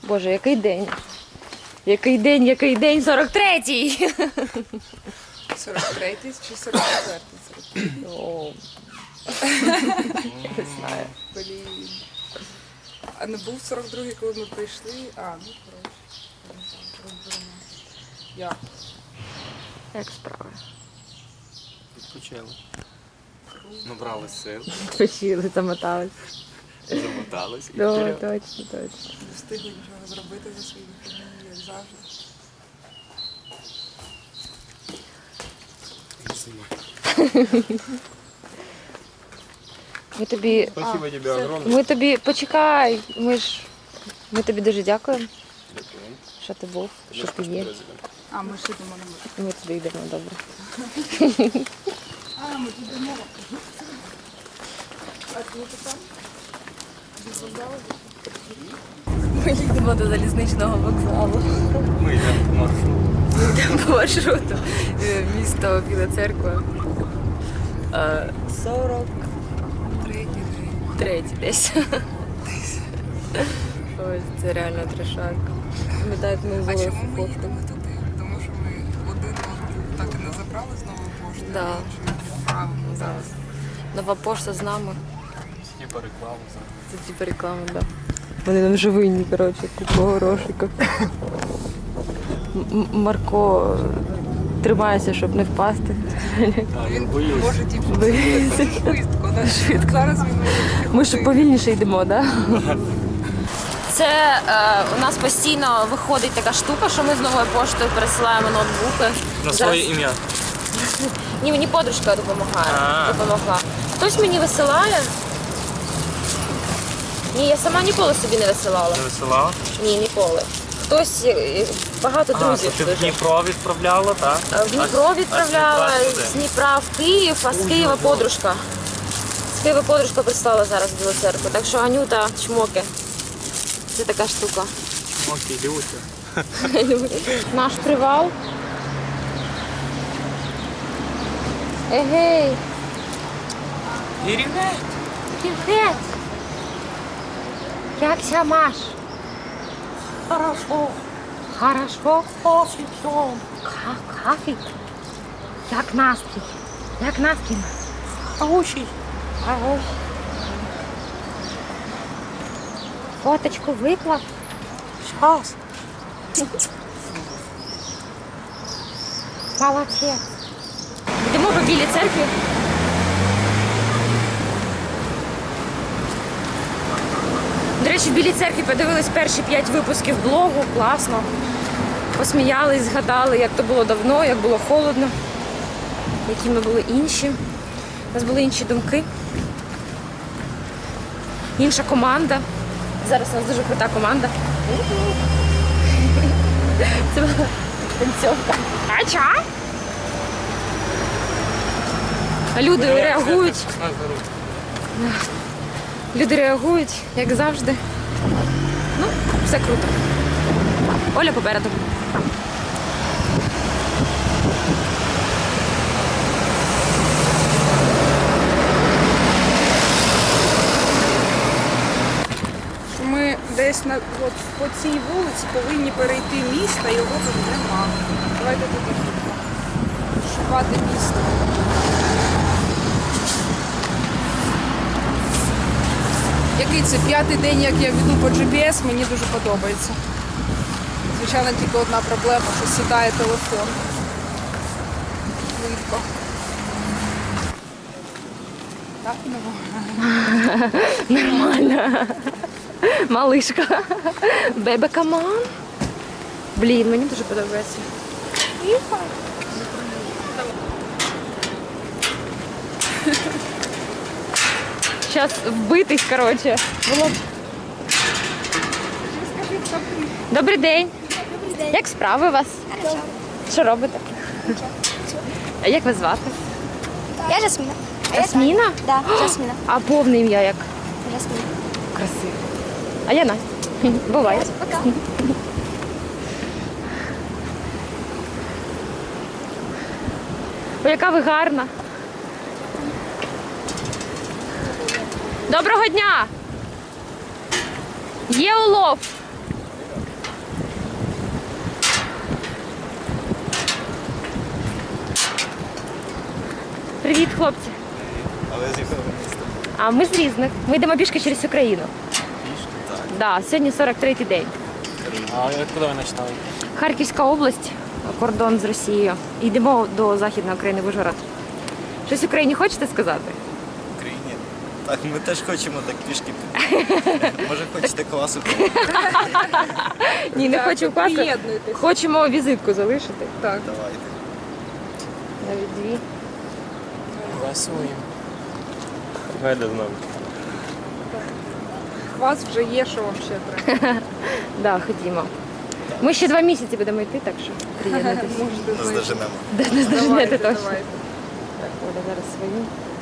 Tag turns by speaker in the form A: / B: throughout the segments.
A: Боже, який день? Який день, 43-й!
B: 43-й чи 44-й?
A: О, не знаю.
B: Блін. А не був 42-й, коли ми прийшли? А, ну коротше. Розберемо. Як?
A: Як справи?
C: Відпочили. Набрали сил,
A: Почили, замотались.
C: замотались і
A: О,
C: вперед.
A: точно, точно.
B: Не встигли нічого зробити за свої вихідні, як завжди.
A: Ми тобі...
C: Спасибо тебе огромное.
A: Ми тобі... Почекай! Ми тобі дуже дякуємо,
C: Дякую.
A: що ти був, що ти є.
B: А, ми ж йдемо на море.
A: Ми тобі йдемо, добре.
B: А, ми підемо. А ти там? Без вокзалу?
A: Ми їдемо до залізничного вокзалу.
C: Ми йдемо по маршруту.
A: Йдемо по маршруту. Місто Біла Церква. 43 десь. Ось, це реально трешак. Пам'ятаєте, ми
B: А
A: взяли
B: чому ми
A: фотку.
B: їдемо туди? Тому що ми один маршрут так і не забрали з нової пошти.
A: Да.
B: Правильно, зараз.
A: Нова пошта з нами.
C: Типа рекламу зараз.
A: Це типу реклама, так. Да. Вони нам вже винні, коротше, купу горошика. Марко тримається, щоб не впасти.
B: Він
C: боюсь.
B: може тільки
A: Боюся.
B: швидко. Да? Зараз він може
A: Ми ж повільніше йдемо, так? Да? Це у нас постійно виходить така штука, що ми з новою поштою пересилаємо ноутбуки.
C: На
A: Зараз-
C: своє ім'я.
A: Ні, мені подружка
C: А.
A: допомогла. Хтось мені висилає. Ні, я сама ніколи собі не висилала.
C: Не висилала?
A: Ні, ніколи. Хтось, багато
C: А,
A: друзів.
C: то ти в
A: дуже.
C: Дніпро відправляла, так?
A: В Дніпро відправляла, з Дніпра в Київ, а з Києва подружка. З Києва подружка прислала зараз в Білу Церкву. Так що Анюта, чмоки. Це така штука.
C: Окей, Люся.
A: Наш привал. Егей,
C: Ірівне.
A: привіт! Як ся маш?
C: Хорошо.
A: Хорошо?
C: Очень все.
A: Кафі? Як настрій? Як настрій?
C: Очень.
A: Ага. Фоточку виклав?
C: Сейчас.
A: Молодець. Йдемо по Білій Церкві. До речі, в Білій Церкві подивились перші 5 випусків блогу. Класно. Посміялись, згадали, як то було давно, як було холодно, які ми були інші. У нас були інші думки. Інша команда. Зараз у нас дуже крута команда. Це була танцьовка. Ача! Люди реагують. Люди реагують, як завжди. Ну, все круто. Оля попереду.
B: Ми десь от, по цій вулиці повинні перейти міст, а його тут нема. Давайте тут шукати місто. Який це 5-й день, як я веду по GPS, мені дуже подобається. Звичайно, тільки одна проблема, що сідає телефон. Швидко. Так,
A: Нормально. Малишка. Бебе, камон. Блін, мені дуже подобається. Зараз вбитись, коротше. Було б. Добрий день. Як справи у вас? Що робите? А як вас звати?
D: Я Жасмина.
A: Ясміна?
D: Да, Жасмина.
A: А повне ім'я як?
D: Жасмина.
A: Красиво. А я Настя. Буває.
D: Пока.
A: Ой, яка ви гарна. Доброго дня! Є улов. Привіт, хлопці.
E: А ви з якого міста?
A: А ми з різних. Ми йдемо пішки через Україну.
E: Пішки? Так.
A: Да, сьогодні 43-й день.
C: А куди ви починали?
A: Харківська область, кордон з Росією. Йдемо до Західної України, в Ужгород. Щось Україні хочете сказати?
E: В Україні? Так, ми теж хочемо так пішки піти. Може хочете класу?
A: Ні, не
B: Так,
A: хочемо класу.
B: приєднуйтесь.
A: Хочемо візитку залишити.
B: Так.
E: Давайте.
A: Навіть дві.
C: Голосуємо.
E: Гайда знову.
B: У вас вже є, що вам ще треба.
A: Да, ходімо. Ми ще 2 місяці будемо йти, так що приєднуйтесь.
B: Можете
E: Нас
B: знайти.
E: доженемо.
A: Не здожнете
B: Давайте,
A: точно.
B: давайте.
A: Так, Оля зараз свої.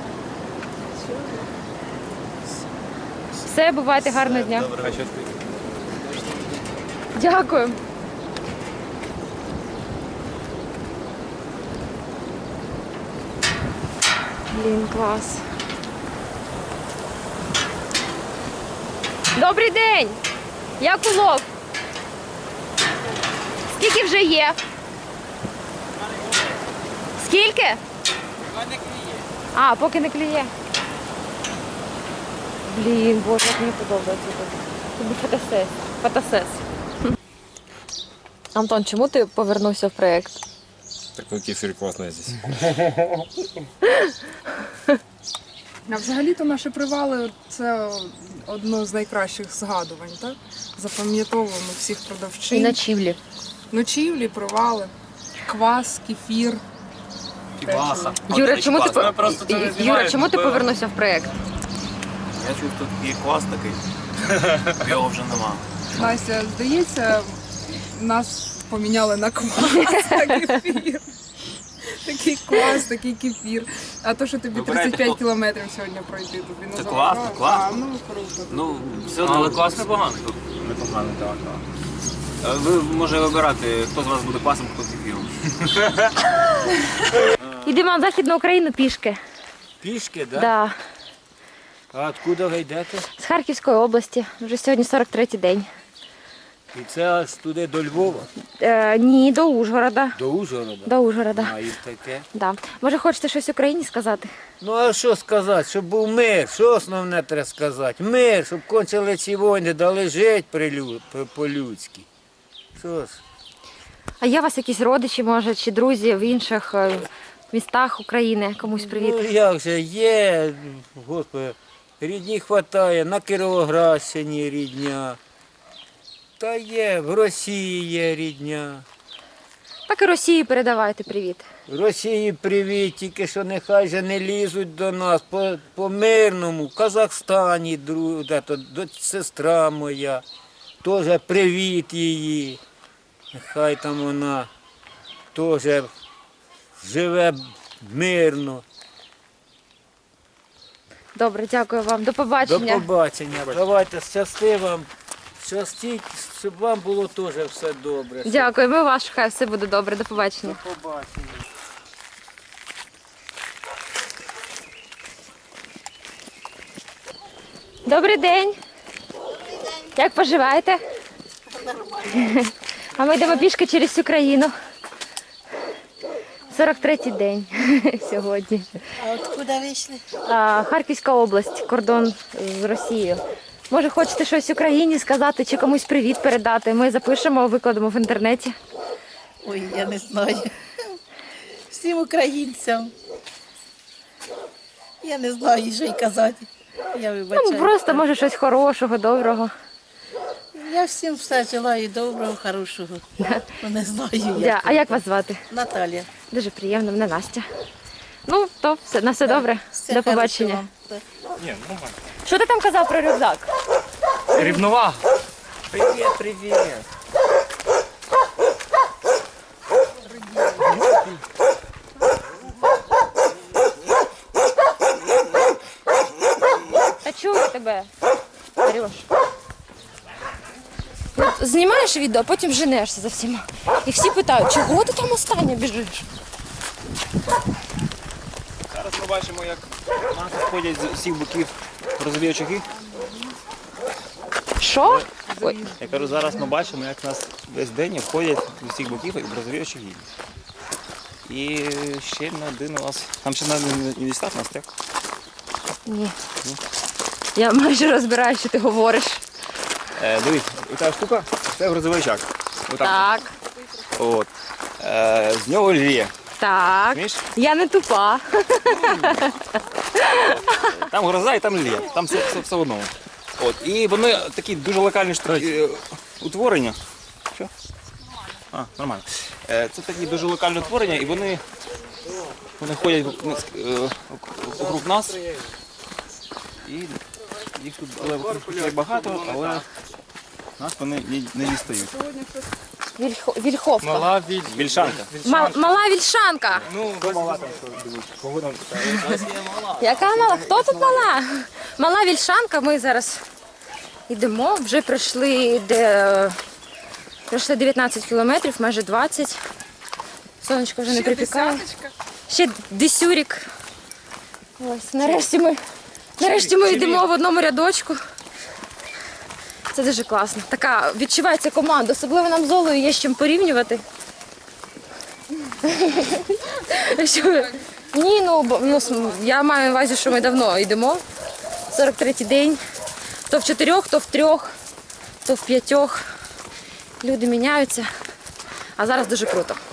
A: Все, бувайте, гарного дня.
E: Добре.
A: Дякую. Блін, клас. Добрий день! Як улов? Скільки вже є? Скільки? А, поки не клює. Блін, боже, як мені подобається тут. Тобі фотосес. Фотосес. Антон, чому ти повернувся в проєкт?
F: Такой кефир классный здесь.
B: А взагалі-то наші привали це одно з найкращих згадувань, так? Запам'ятовуємо всіх
A: І
B: продавчин.
A: ночівлі.
B: Ночівлі, привали, квас, кефір.
E: Кібаса.
A: Юра, чому ти,
F: Ми просто це не
A: Юра,
F: знімаємо,
A: чому ти
F: бо-
A: повернувся в проєкт?
E: Я чув, тут є квас такий. Його вже нема.
B: Настя, здається, нас поміняли на квас та кефір. Такий квас, такий кефір. А то, що тобі
E: Вибирайте,
B: 35
E: хто-
B: кілометрів сьогодні пройти, тобі не
E: Це
B: забагато?
E: класно, класно.
B: А, ну круто.
E: Ну, все
F: Але клас непоганий.
E: Непогано, так. Ви може вибирати, хто з вас буде квасом, хто кефіром.
A: Йдемо на Західну Україну пішки.
C: Пішки, да?
A: Да.
C: А откуда ви йдете?
A: З Харківської області. Вже сьогодні 43-й день.
C: І це аж туди до Львова,
A: Ні, до Ужгорода.
C: до Ужгорода.
A: До Ужгорода.
C: А і таке.
A: Да. Може, хочете щось Україні сказати?
C: Ну а що сказати, щоб був мир, що основне треба сказати? Мир, щоб кончили ці війни, дали жити по-людськи. Що ж?
A: А є у вас якісь родичі, може, чи друзі в інших містах України? Комусь привіт.
C: Ну як же є, господи, рідні хватає, на Кіровоградщині рідня. Та є, в Росії є рідня.
A: Так і Росії передавайте привіт.
C: В Росії привіт, тільки що нехай же не лізуть до нас по мирному. В Казахстані сестра моя, теж привіт її. Нехай там вона теж живе мирно.
A: Добре, дякую вам. До
C: До
A: побачення.
C: побачення. Давайте щасти вам. Щастіть, щоб вам було теж все добре.
A: Дякую, ми вас, хай все буде добре. До побачення.
C: До побачення.
A: Добрий день. Як поживаєте? Нормально. А ми йдемо пішки через Україну. 43-й день сьогодні.
G: А откуда вийшли?
A: Харківська область, кордон з Росією. Може, хочете щось Україні сказати чи комусь привіт передати? Ми запишемо, викладемо в інтернеті.
G: Ой, я не знаю. Всім українцям. Я не знаю, що й казати. Я вибачаю.
A: Ну, просто, може, щось хорошого, доброго.
G: Я всім все желаю доброго, хорошого. Ну, не знаю, як.
A: А як вас звати?
G: Наталія.
A: Дуже приємно, мене Настя. Ну, то все, на все добре.
G: Все
A: До
G: хорошо
A: побачення.
G: вам. Так.
F: Ні, нормально.
A: Що ти там казав про рюкзак?
F: Рівновага.
C: Привіт, привіт.
A: Та чую тебе, Арюш. От знімаєш відео, а потім женешся за всіма. І всі питають, чого ти там останнє біжиш?
F: Зараз ми бачимо, як нас ходять з усіх боків розові очаги.
A: Що? Ой,
F: Я кажу, зараз ми бачимо, як нас весь день ходять з усіх боків розові очаги. І ще на один у вас. Там ще не дістав нас, так?
A: Ні. Я майже розбираю, що ти говориш.
F: Дивись, оця штука, це грузовичок.
A: Так,
F: От. З нього лє.
A: так.
F: Розумієш?
A: Я не тупа.
F: Там гроза і там лє. Там все одно. От. І вони такі дуже локальні утворення. Що? А, нормально. Це такі дуже локальні утворення, і вони ходять округ нас. І їх тут багато, але нас вони не дістають.
A: Вільховка.
F: Вільшанка.
A: Мала вільшанка.
F: Ну, мала там, кого там
A: Яка мала? Хто тут мала? Мала вільшанка. Ми зараз йдемо. Вже пройшли 19 кілометрів, майже 20. Сонечко вже не припікає. Ще десюрік. Ось, нарешті ми йдемо в одному рядочку. Це дуже класно. Така відчувається команда. Особливо нам з Олею є з чим порівнювати. Ні, я маю на увазі, що ми давно йдемо. 43-й день. То в 4, то в 3, то в 5. Люди міняються. А зараз дуже круто.